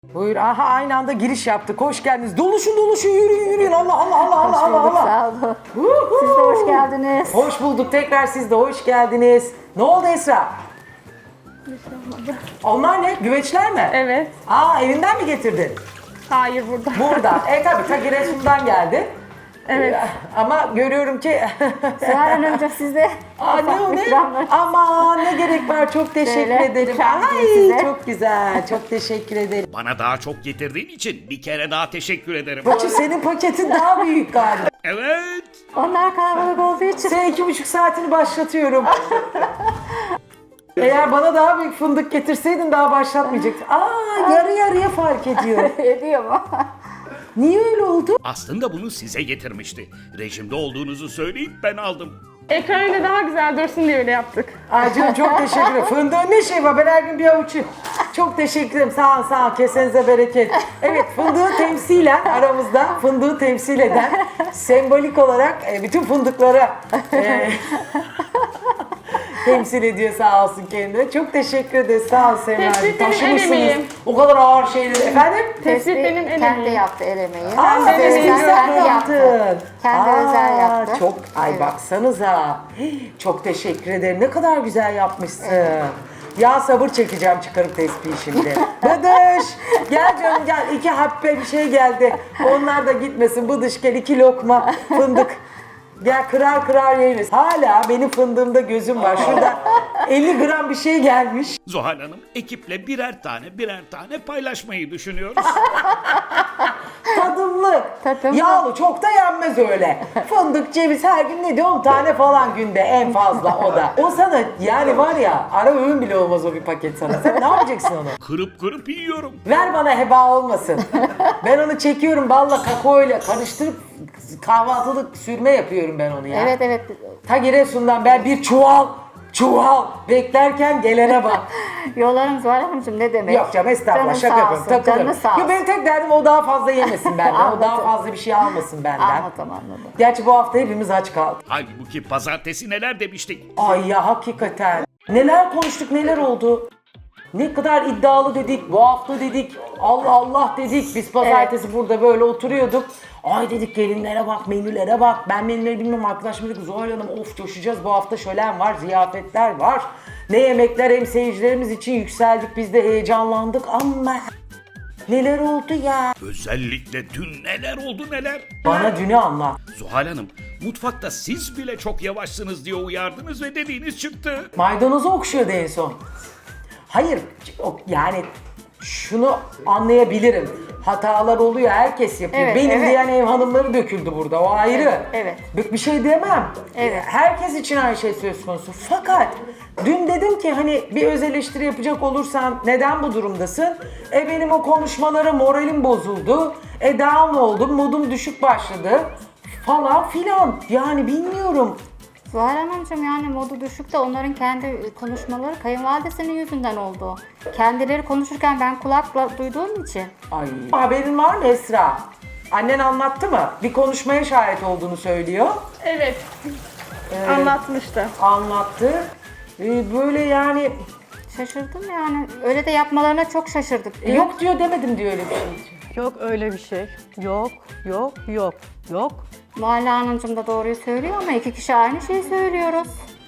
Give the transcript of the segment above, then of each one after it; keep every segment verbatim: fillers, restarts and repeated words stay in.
Buyur. Aha aynı anda giriş yaptık. Hoş geldiniz. Doluşun doluşun yürüyün yürüyün. Allah Allah Allah Allah Hoş Allah bulduk, Allah. sağ olun. Siz de hoş geldiniz. Hoş bulduk. Tekrar siz de hoş geldiniz. Ne oldu Esra? Onlar ne? Güveçler mi? Evet. Aa evinden mi getirdin? Hayır burada. Burada. E tabi ta Giresun'dan geldi. Evet. Ee, Ama görüyorum ki... Süheyl Hanımcığım siz de Aa ne o ne? ikramlar. Aman ne gerek var, çok teşekkür Böyle ederim. ikram Ay size. çok güzel, çok teşekkür ederim. Bana daha çok getirdiğin için bir kere daha teşekkür ederim. Bacım senin paketin daha büyük galiba. Evet. Onlar kalabalık olduğu için. Sen iki buçuk saatini başlatıyorum. Eğer bana daha büyük fındık getirseydin daha başlatmayacaktın. Aa yarı yarıya fark ediyor. Ediyor mu? Niye öyle oldu? Aslında bunu size getirmişti. Rejimde olduğunuzu söyleyip ben aldım. Ekran önünde daha güzel dursun diye öyle yaptık. Ay canım çok teşekkür ederim. Fındığın ne şey var? Ben her gün bir avuç yiyorum. Çok teşekkür ederim. Sağ ol, sağ ol. Kesenize bereket. Evet, fındığı temsilen aramızda fındığı temsil eden sembolik olarak e, bütün fındıklara e, temsil ediyor sağ olsun kendine. Çok teşekkür ederiz. Sağ ol Semra'cığım. Tespit benim el Taşımışsınız emeğim. o kadar ağır şeyleri. Efendim? Tespit benim el Kendi emeğim. yaptı el emeği. Aa, Kendi özel emeği kendi yaptı. yaptın. Kendi Aa, özel yaptı. Çok, ay Evet. baksanıza. Hii, Çok teşekkür ederim. Ne kadar güzel yapmışsın. Ya sabır çekeceğim çıkarıp tespihi şimdi. Bıdış. Gel canım gel. İki happe bir şey geldi. Onlar da gitmesin. Bıdış gel iki lokma fındık. Gel kırar kırar yeriz. Hala benim fındığımda gözüm var. Şurada elli gram bir şey gelmiş. Zuhal Hanım ekiple birer tane birer tane paylaşmayı düşünüyoruz. Tadımlı. Tadımlı. Yağlı çok da yenmez öyle. Fındık, ceviz her gün ne diyor? on tane falan günde en fazla o da. O sana yani var ya ara öğün bile olmaz o bir paket sana. Sen ne yapacaksın onu? Kırıp kırıp yiyorum. Ver bana heba olmasın. Ben onu çekiyorum balla kakaoyla karıştırıp kahvaltılık sürme yapıyorum ben onu ya. Evet evet. Ta Giresun'dan ben bir çuval çuval beklerken gelene bak. Yollarım Süheyl Hanımcığım ne demek? Yok canım estağfurullah Canın şaka sağ yapıyorum. olsun, Takılırım. canın sağ olsun. Yo, benim tek derdim o daha fazla yemesin benden. o daha Anladım. fazla bir şey almasın benden. Anladım anladım. Gerçi bu hafta hepimiz aç kaldık. Halbuki pazartesi neler demiştik. Ay ya hakikaten. Neler konuştuk neler oldu. Ne kadar iddialı dedik, bu hafta dedik, Allah Allah dedik. Biz pazartesi burada böyle oturuyorduk. Ay dedik gelinlere bak, menülere bak. Ben menüleri bilmiyorum, arkadaşım dedi ki Zuhal Hanım of coşacağız. Bu hafta şölen var, ziyafetler var. Ne yemekler hem seyircilerimiz için yükseldik. Biz de heyecanlandık ama neler oldu ya. Özellikle dün neler oldu neler. Bana dünü anlat. Zuhal Hanım mutfakta siz bile çok yavaşsınız diye uyardınız ve dediğiniz çıktı. Maydanozu okşuyordu en son. Hayır, o- yani şunu anlayabilirim. Hatalar oluyor, herkes yapıyor. Evet, Benim evet. diyen ev hanımları döküldü burada, o ayrı. Evet, evet. Bir- Bir şey demem. Evet. Herkes için aynı şey söz konusu. Fakat dün dedim ki hani bir öz eleştiri yapacak olursan neden bu durumdasın? E benim o konuşmalara moralim bozuldu. E down oldum, modum düşük başladı. Falan filan. Yani bilmiyorum. Zuhal Hanımcığım yani modu düşük de onların kendi konuşmaları kayınvalidesinin yüzünden oldu. Kendileri konuşurken ben kulakla duyduğum için. Ay. Haberin var mı Esra? Annen anlattı mı? Bir konuşmaya şahit olduğunu söylüyor. Evet. Anlatmıştı. Anlattı. Ee, böyle yani Şaşırdım yani. Öyle de yapmalarına çok şaşırdık. diyor. yok diyor demedim diyor öyle bir şey. Yok öyle bir şey. Yok, yok, yok, yok. Muhalle Hanımcığım da doğruyu söylüyor ama iki kişi aynı şeyi söylüyoruz.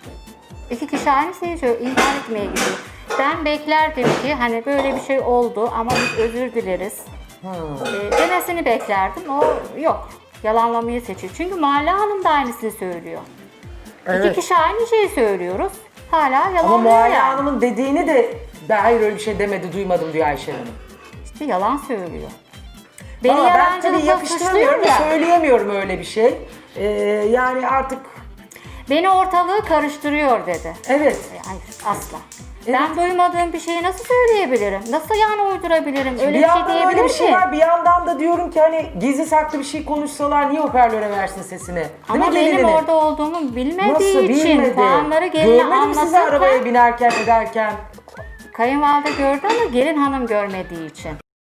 İki kişi aynı şeyi söylüyor. İnkar etmeye gidiyor. Ben beklerdim ki hani böyle bir şey oldu ama biz özür dileriz. Ee, demesini beklerdim. O yok. Yalanlamayı seçiyor. Çünkü Muhalle Hanım da aynısını söylüyor. Evet. İki kişi aynı şeyi söylüyoruz. Hala Ama yalanlıyor Muayye yani. Hanım'ın dediğini de ben hayır öyle bir şey demedi duymadım diyor Ayşe Hanım. İşte yalan söylüyor. Beni Ama ben tabii yalancılıkla yakıştıramıyorum, suçluyor ya. söyleyemiyorum öyle bir şey. Ee, yani artık Beni ortalığı karıştırıyor dedi. evet. Hayır asla. Ben duymadığım bir şeyi nasıl söyleyebilirim? Nasıl yani uydurabilirim? Öyle bir bir şey yandan öyle diyebilir bir şey miyim? var, bir yandan da diyorum ki hani gizli saklı bir şey konuşsalar niye hoparlöre versin sesini? Değil Ama mi benim gelinini? orada olduğumu bilmediği Nasıl için bilmedi? puanları geline Görmedim sizi arabaya anlatırken binerken ederken. kayınvalide gördü ama gelin hanım görmediği için.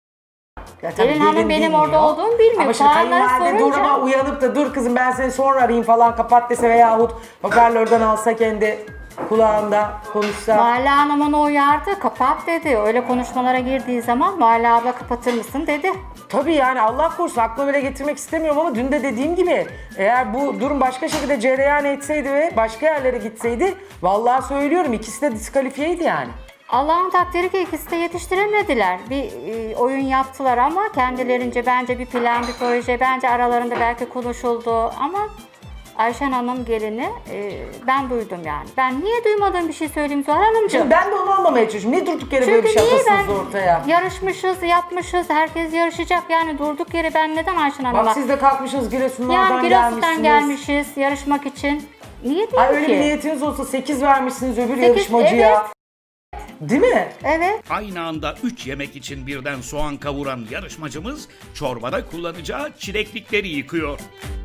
Ya tabii Gelin hanım benim bilmiyor. orada olduğumu bilmiyor. Ama şimdi Puanları kayınvalide sorunca- duruma uyanıp da dur kızım ben seni sonra arayayım falan kapat dese veyahut hoparlörden alsa kendi kulağında konuşsa. Muhalle Hanım onu uyardı, kapat dedi. Öyle konuşmalara girdiği zaman Muhalle abla kapatır mısın dedi. Tabii yani Allah korusun aklıma bile getirmek istemiyorum ama dün de dediğim gibi eğer bu durum başka şekilde cereyan etseydi ve başka yerlere gitseydi vallahi söylüyorum ikisi de diskalifiyeydi yani. Allah'ın takdiri ki ikisi de yetiştiremediler. Bir e, oyun yaptılar ama kendilerince bence bir plan, bir proje, bence aralarında belki konuşuldu ama Ayşen Hanım gelini e, ben duydum yani. Ben niye duymadığım bir şey söyleyeyim Zuhal Hanımcığım? Şimdi ben de onu anlamaya çalışıyorum. Niye durduk yere böyle bir Çünkü şey niye ben atasınız ortaya? yarışmışız, yapmışız, herkes yarışacak yani durduk yere ben neden Ayşen Hanım'a? Bak siz de kalkmışsınız Giresunlardan Yani gelmişsiniz. Giresun'dan gelmişiz yarışmak için. Niye değil Ay öyle ki? bir niyetiniz olsa sekiz vermişsiniz öbür Sekiz, yarışmacıya. Değil mi? Evet. Aynı anda üç yemek için birden soğan kavuran yarışmacımız çorbada kullanacağı çileklikleri yıkıyor.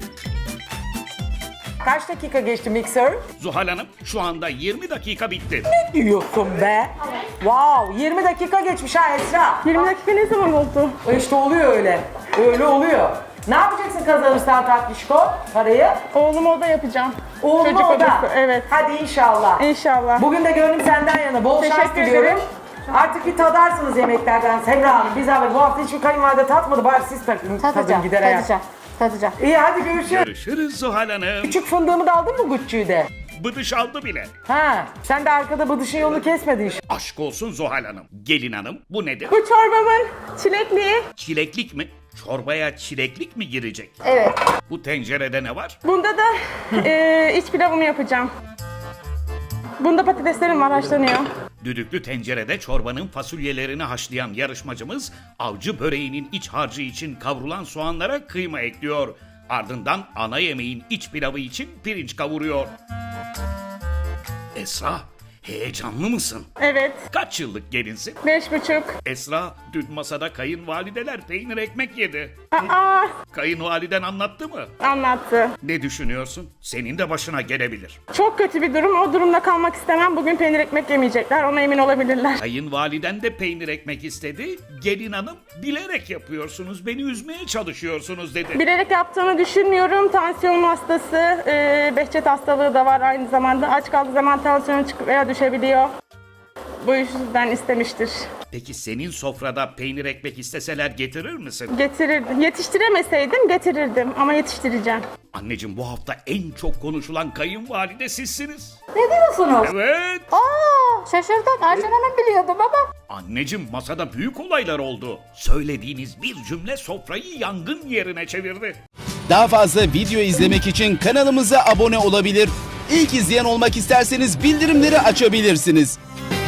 Kaç dakika geçti mikser? Zuhal Hanım şu anda yirmi dakika bitti. Diyorsun be. Wow, yirmi dakika geçmiş ha Esra. yirmi dakika ne zaman oldu? İşte oluyor öyle. Öyle oluyor. Ne yapacaksın kazanırsan tatlışko parayı? Oğluma oda yapacağım. Oğlum Çocuk o da. odası, evet. Hadi inşallah. İnşallah. Bugün de gönlüm senden yana. Bol şans Teşekkür diliyorum. ederim. Artık bir tadarsınız yemeklerden Semra Hanım. Biz abi bu hafta hiçbir kayınvalide tatmadı. Bari siz takın, tadın Tadacağım, gider ayak. tadacağım, tadacağım. İyi hadi görüşürüz. Görüşürüz Zuhal Hanım. Küçük fındığımı da aldın mı Gucci'yi de? Bıdış aldı bile. Ha, sen de arkada bıdışın yolunu kesmedin inşallah. Aşk olsun Zuhal Hanım. Gelin hanım bu nedir? Bu çorbamın çilekliği. Çileklik mi? Çorbaya çileklik mi girecek? Evet. Bu tencerede ne var? Bunda da e, iç pilavımı yapacağım. Bunda patateslerim var haşlanıyor. Düdüklü tencerede çorbanın fasulyelerini haşlayan yarışmacımız avcı böreğinin iç harcı için kavrulan soğanlara kıyma ekliyor. Ardından ana yemeğin iç pilavı için pirinç kavuruyor. Esra, heyecanlı mısın? Evet. Kaç yıllık gelinsin? Beş buçuk. Esra, dün masada kayınvalideler peynir ekmek yedi. Aa, Kayınvaliden anlattı mı? anlattı. Ne düşünüyorsun? Senin de başına gelebilir. Çok kötü bir durum. O durumda kalmak istemem. Bugün peynir ekmek yemeyecekler. Ona emin olabilirler. Kayınvaliden de peynir ekmek istedi. Gelin hanım bilerek yapıyorsunuz, beni üzmeye çalışıyorsunuz dedi. Bilerek yaptığını düşünmüyorum. Tansiyon hastası, e, Behçet hastalığı da var aynı zamanda. Aç kaldığı zaman tansiyonu çıkıp veya düşebiliyor. Bu yüzden istemiştir. Peki senin sofrada peynir ekmek isteseler getirir misin? Getirirdim. Yetiştiremeseydim getirirdim ama yetiştireceğim. Anneciğim bu hafta en çok konuşulan kayınvalide sizsiniz. Ne diyorsunuz? Evet. Aa, şaşırdım. Ayşen Hanım biliyordum ama. Anneciğim masada büyük olaylar oldu. Söylediğiniz bir cümle sofrayı yangın yerine çevirdi. Daha fazla video izlemek için kanalımıza abone olabilir. İlk izleyen olmak isterseniz bildirimleri açabilirsiniz.